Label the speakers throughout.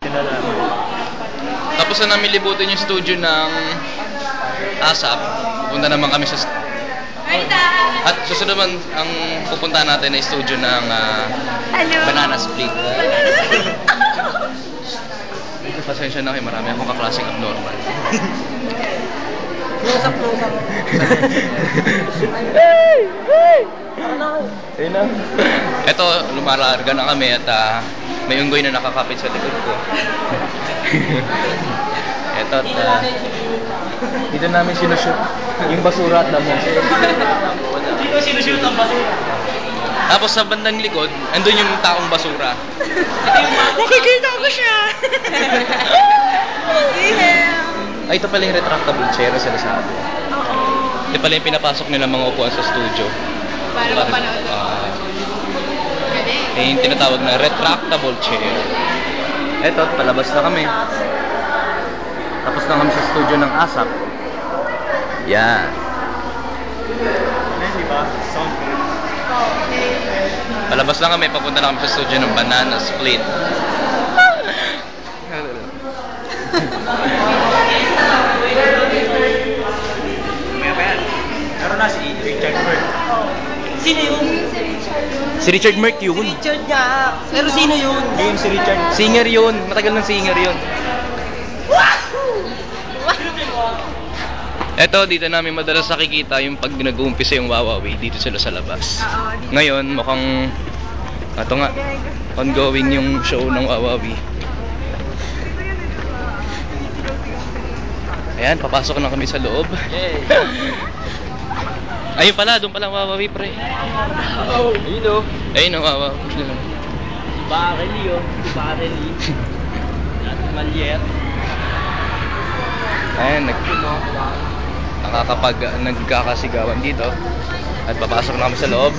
Speaker 1: Tapos na namin libutin yung studio ng ASAP. Pupunta naman kami sa... At susunod naman ang pupunta natin ay studio ng Banana Split. Pasensya na kayo, marami akong kaklaseng abnormal.
Speaker 2: Close up.
Speaker 1: Ayun na. Ito, lumalarga na kami at may unggoy na nakakapit sa likod ko. Ito at dito namin sinushoot yung basura at damo.
Speaker 2: Dito sinushoot ang basura.
Speaker 1: Tapos sa bandang likod, andun yung taong basura.
Speaker 2: Nakikita ko siya!
Speaker 1: Ay, ito pala yung retractable chair sa Lazada. Ito pala yung pinapasok nila mga upuan sa studio.
Speaker 3: Para mapanood ko.
Speaker 1: Yung tinatawag na retractable chair. Ito, palabas na kami. Tapos na kami sa studio ng ASAP. Yan.
Speaker 2: Diba? Sound good.
Speaker 1: Palabas na kami, papunta na kami sa studio ng Banana Split.
Speaker 2: Meron na si Richard Merck. Sino yun?
Speaker 1: Si Richard Merck yun.
Speaker 2: Richard nga. Pero sino yun? Yung si Richard.
Speaker 1: Singer yun. Matagal ng singer yun. Eto, dito namin madalas nakikita yung pag nag-uumpisa yung Wawawi dito sila sa labas. Ngayon, mukhang ito nga, ongoing yung show ng Wawawi. Ayan, papasok na kami sa loob. Ayun pala, doon pala Wawawi, pre.
Speaker 2: Ayun o.
Speaker 1: Ayun ang Wawawi.
Speaker 2: Barely o. Barely. Malier.
Speaker 1: Ayan, nagkakasigawan dito. At papasok na kami sa loob.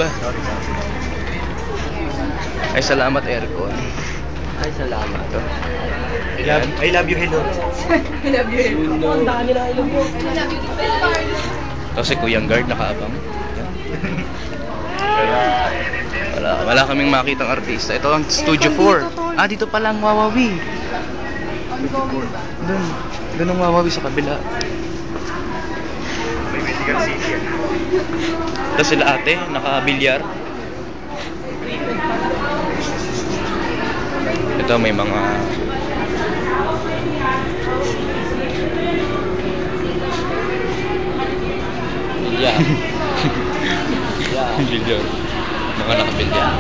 Speaker 1: Ay, salamat aircon.
Speaker 2: Ay, salamat.
Speaker 1: Ayan.
Speaker 2: I love you, hello.
Speaker 3: I love you.
Speaker 2: Ang dami na ilog mo.
Speaker 3: I love you.
Speaker 1: Ito si Kuyang Guard nakaabang. Wala kaming makitang artista. Ito ang Studio 4. Ah, dito pala ang Wawawi. Doon ang Wawawi sa kabila.
Speaker 2: May medical city.
Speaker 1: Ito sila ate, nakabilyar. Ito may mga
Speaker 2: Yeah.
Speaker 1: bilyar. Mga nakabilyar.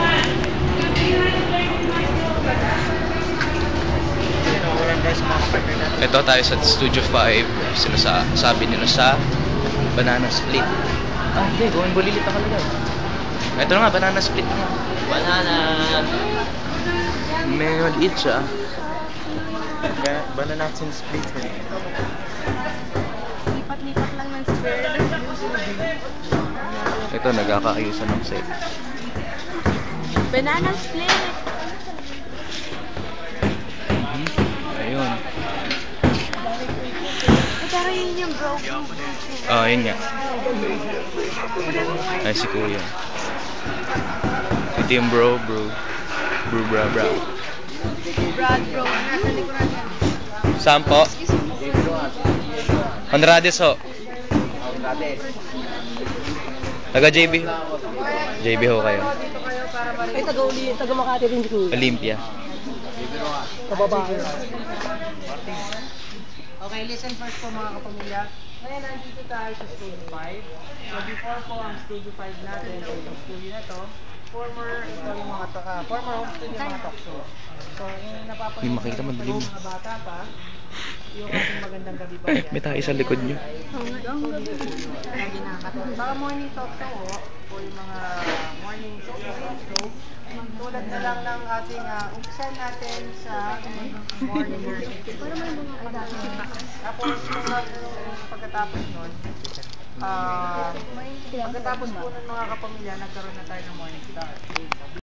Speaker 1: Ito tayo sa Studio 5. Sila sabi nila sa Banana Split. Ah, hindi. Gawin bulilit ako lang. Ito na nga, Banana Split nga.
Speaker 2: Banana.
Speaker 1: May maliit siya.
Speaker 2: Banana split.
Speaker 3: Lipat-lipat lang ng square.
Speaker 1: Ito, nagkakaayusan ng set.
Speaker 3: Banana split.
Speaker 1: Ayun.
Speaker 3: Pero yun yung bro.
Speaker 1: Ah, yun nga. Ay, si Kuya. Ito yung bro. Bra.
Speaker 3: Brad bro. Nasa likuran yan.
Speaker 1: Sampo. Honrades ho. Taga JB. JB ho kayo.
Speaker 2: Ay, taga Makati rin si Kuya.
Speaker 1: Olympia.
Speaker 2: Kababae.
Speaker 4: Okay, listen first po mga kapamilya. Ngayon, nandito tayo sa Studio 5. So, before po ang Studio 5 natin, o itong studio na to, former home studio mga talk show. So, yung napapanood
Speaker 1: May makita mo, dilim.
Speaker 4: mga bata pa, yung ating magandang gabi ba
Speaker 1: Ay, may tayo sa likod nyo.
Speaker 4: lagi nakakatawa. Saka morning talk show, o yung mga morning talk show, tulad na lang ng ating umpisan natin sa morning worship. Tapos, pagkatapos nun, pagkatapos po ng mga kapamilya, nagkaroon na tayo ng morning star.